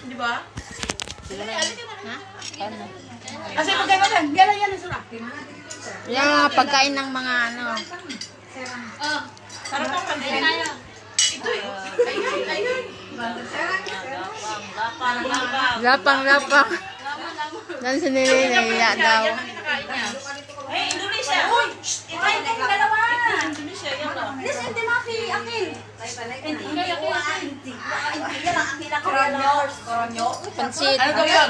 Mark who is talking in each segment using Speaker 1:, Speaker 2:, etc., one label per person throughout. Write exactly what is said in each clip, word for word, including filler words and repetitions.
Speaker 1: Di ba?
Speaker 2: Kasi pagkain mo lang, gano'n yan ang surap.
Speaker 3: Yung mga pagkain ng mga ano.
Speaker 1: Oh. Sarap ang kandiyan. Ito eh. Ayun, ayun. Lapang, lapang.
Speaker 3: Lapang, lapang. Doon si Nili, nahiya daw.
Speaker 1: Yan ang kinakain niya. Ay, Indonesia. Uy! Ito
Speaker 2: Ay, ito yung dalawa.
Speaker 1: Indonesia, yan o.
Speaker 2: This hindi maki, akil. Hindi, hindi ako. Hindi. Yan ang akil ako.
Speaker 1: Koronyo. Koronyo.
Speaker 3: Pansit.
Speaker 1: Ano daw yun?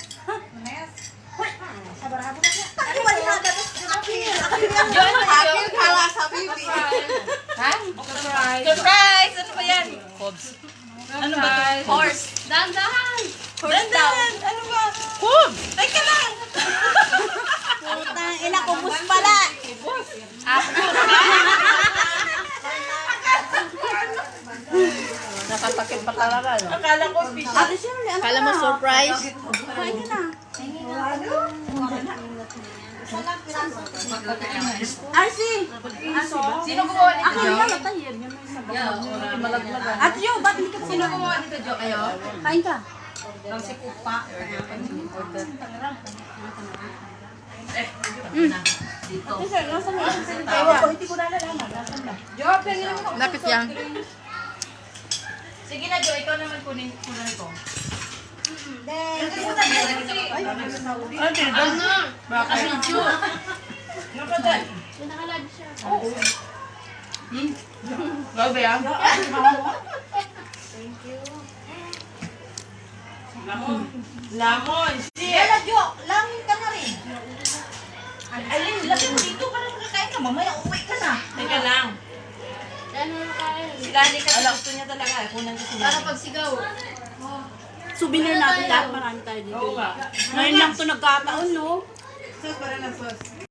Speaker 2: Ay, wala na dapat. Akil. Akil yan.
Speaker 1: Yun,
Speaker 2: Akil kala sa bibi.
Speaker 1: Ha? Surprise. Surprise! Ano ba yan? Hobbs. Ano ba ito? Horse.
Speaker 2: Dahan-dahan.
Speaker 1: Dandan! Ano ba? Hobbs! Teka lang!
Speaker 2: Putang ina, kubus pala.
Speaker 3: Nakatakit pa talaga. No?
Speaker 1: Akala ko fish.
Speaker 2: Ate Shirley, ano
Speaker 3: Kala mo surprise?
Speaker 2: Kain ka na. Arsi!
Speaker 1: Sino gumawa nito?
Speaker 2: Akil yan, matay yan. Yan may sabang.
Speaker 1: Malaglagan.
Speaker 2: At yo, ba't hindi ka
Speaker 1: Sino gumawa nito, Jo? Kayo?
Speaker 2: Kain ka.
Speaker 1: Ang si Pupa. Eh, dito.
Speaker 2: Sir, nasa mo? Ewan ko, hindi ko nalalaman. Nasaan ba?
Speaker 1: Jo, pengin mo.
Speaker 3: Lapit yan.
Speaker 1: Sige na, Jo. Ikaw naman kunin kunin ko.
Speaker 2: Then,
Speaker 1: Ay, ano? Baka video. Nakadal.
Speaker 2: nakalive siya.
Speaker 1: Gabi ah.
Speaker 2: Thank you.
Speaker 1: Lamon. Lamon.
Speaker 2: Yala, Jo, langin ka na rin.
Speaker 1: Alin, laki mo dito para makakain ka. Mamaya uwi ka na. Teka lang.
Speaker 2: Ano na kain?
Speaker 1: Si Lani kasi gusto niya talaga. Kunan ko si Lani.
Speaker 2: Para pagsigaw. Souvenir natin lahat, marami tayo dito.
Speaker 1: Oo nga.
Speaker 2: Ngayon lang ito nagkataon, no?
Speaker 1: Sus, para na sus.